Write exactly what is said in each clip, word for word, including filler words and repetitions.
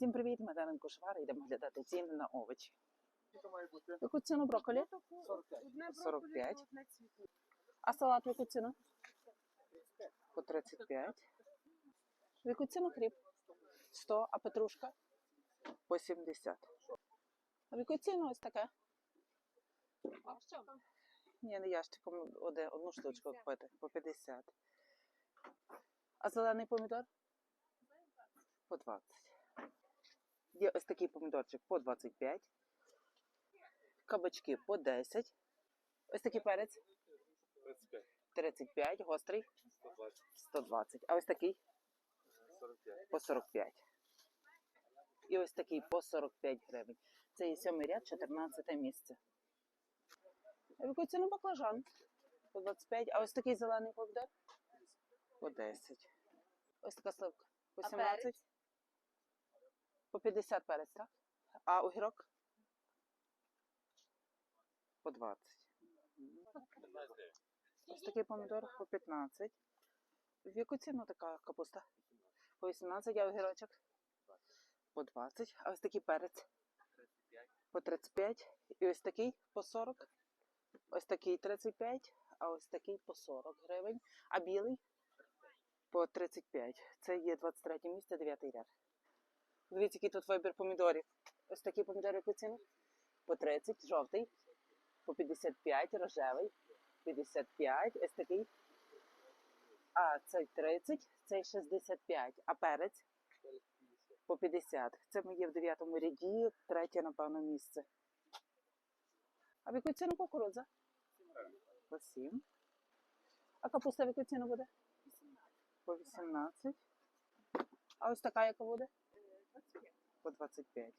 Всім привіт, ми Дарина Кошвар, йдемо глядати ціни на овочі. Яку ціну брокколі? сорок п'ять. А салат в яку ціну? По тридцять п'ять. В яку ціну хліб? сто, а петрушка? По сімдесят. А в яку ціну ось таке? Ні, не ящиком, один, одну штучку купити, по п'ятдесят. А зелений помідор? По двадцять. Є ось такий помідорчик по двадцять п'ять. Кабачки по десять. Ось такий перець? тридцять п'ять. тридцять п'ять. Гострий? сто двадцять. А ось такий? сорок п'ять. По сорок п'ять. І ось такий по сорок п'ять гривень. Це є сьомий ряд, чотирнадцяте місце. А в яку ціну баклажан? По двадцять п'ять. А ось такий зелений помідор? По десять. Ось така сливка? По сімнадцять. По п'ятдесят перець, так? А огірок? По двадцять. Ось такий помідор по п'ятнадцять. В яку ціну така капуста? По вісімнадцять, а огірочок? По двадцять. А ось такий перець? По тридцять п'ять. І ось такий по сорок. Ось такий тридцять п'ять, а ось такий по сорок гривень. А білий? По тридцять п'ять. Це є двадцять третє місце, дев'ятий ряд. Дивіться, який тут вибір помідорів. Ось такі помідори яку ціну? По тридцять, жовтий. По п'ятдесят п'ять, рожевий. п'ятдесят п'ять, ось такий. А цей тридцять, цей шістдесят п'ять. А перець? По п'ятдесят. Це ми є в дев'ятому ряді, третє, напевно, місце. А в яку ціну кукурудза? По сім. А капуста в яку ціну буде? По вісімнадцять. А ось така яка буде? По двадцять п'ять.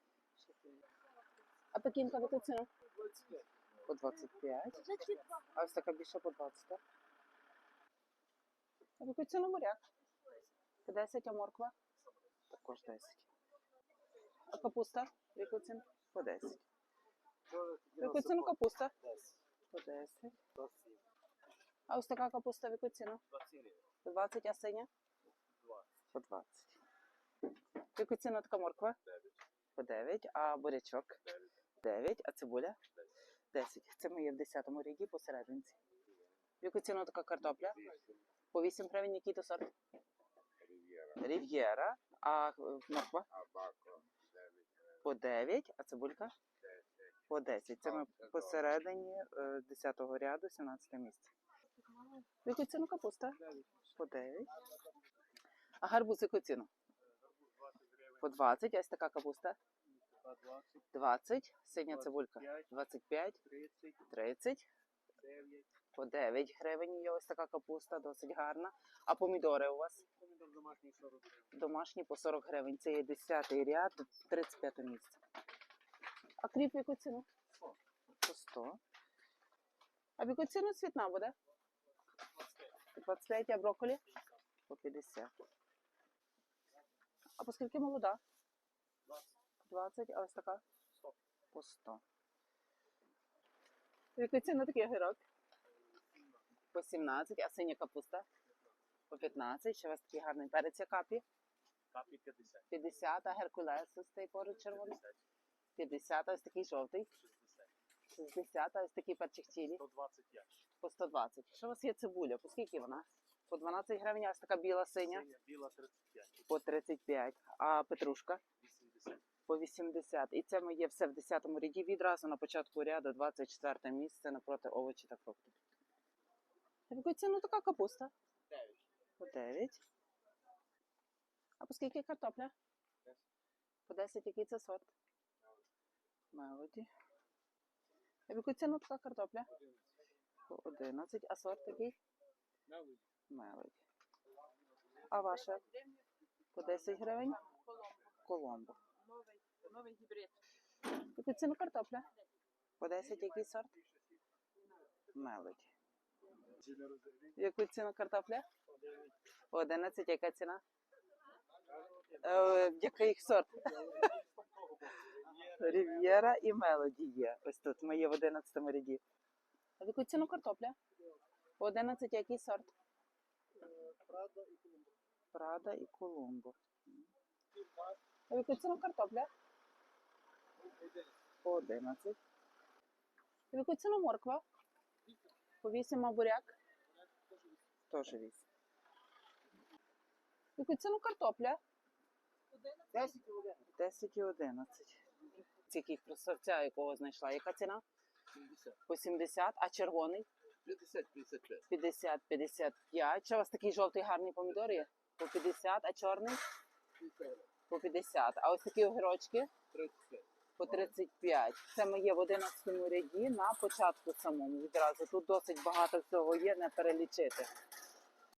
А пекінка в яку ціну? По двадцять п'ять. А ось така більше по двадцять. А в яку ціну моряк? По десять, а морква? Також десять. А капуста в яку ціну? По десять. В яку ціну капуста? По десять. А ось така капуста в яку ціну? По двадцять, а синя? По двадцять. В яку ціну така морква? По дев'ять. А бурячок? дев'ять. А цибуля? десять. Це ми є в десятому ряді посерединці. В яку ціну така картопля? По вісім гривень. Який то сорт? Рів'єра. А морква? По дев'ять. А цибулька? По десять. Це ми посередині десятого ряду, сімнадцяте місце. В яку ціну капуста? По дев'ять. А гарбуз в яку ціну? По двадцять. А ось така капуста? двадцять. Синя цибулька? двадцять п'ять. тридцять. По дев'ять гривень є ось така капуста, досить гарна. А помідори у вас? Помідор домашній сорок гривень. Домашні по сорок гривень. Це є десятий ряд, тридцять п'яте місце. А кріп в яку ціну? По сто. А в яку ціну цвітна буде? По двадцять п'ять, а брокколі? По п'ятдесят. А по скільки молода? двадцять, а ось така? По сто. В яку ціну такий огірок? По сімнадцять, а синя капуста? По п'ятнадцять. Ще у вас такий гарний перець, а капі? Капі п'ятдесят. п'ятдесят, а геркулес ось цей поруч червоний? п'ятдесят, а ось такий жовтий? шістдесят. шістдесят, а ось такий перчик чилі? сто двадцять п'ять. По сто двадцять. Що у вас є цибуля? По скільки вона? По дванадцять гривень, а ось така біла синя? Синя, біла тридцять п'ять. По тридцять п'ять. А петрушка? вісімдесят. По вісімдесят. І це ми є все в десятому ряді. Відразу на початку ряду двадцять четверте місце напроти овочі та фруктів. А в яку ціну така капуста? дев'ять. По дев'ять. А по скільки картопля? десять. По десять. Який це сорт? Мелоді. А в яку ціну така картопля? По одинадцять. А сорт такий? Мелоді. Мелоді. А ваша? По десять гривень? Коломбо. Новий, новий гібрид. В яку ціну картопля? По десять. Який сорт? Мелоді. В яку ціну картопля? По одинадцять. Яка ціна? Е, який сорт? Рів'єра і Мелоді є. Ось тут. Ми є в одинадцятому ряді. А в яку ціну картопля? По одинадцять. Який сорт? Прада і Колумбо. Прада і Колумбо. А в яку ціну картопля? По одинадцять. В яку ціну морква? По вісім, а буряк? Теж вісім. В яку ціну картопля? десять і одинадцять. Тільки красавця, якого знайшла. Яка ціна? По сімдесят. А червоний? п'ятдесят п'ятдесят п'ять. п'ятдесят п'ятдесят п'ять. Чи у вас такий жовтий гарний помідор є? По п'ятдесят, а чорний? По п'ятдесят. А ось такі огірочки? тридцять п'ять. По тридцять п'ять. Це ми є в одинадцятому ряді на початку самому відразу. Тут досить багато всього є, не перелічити.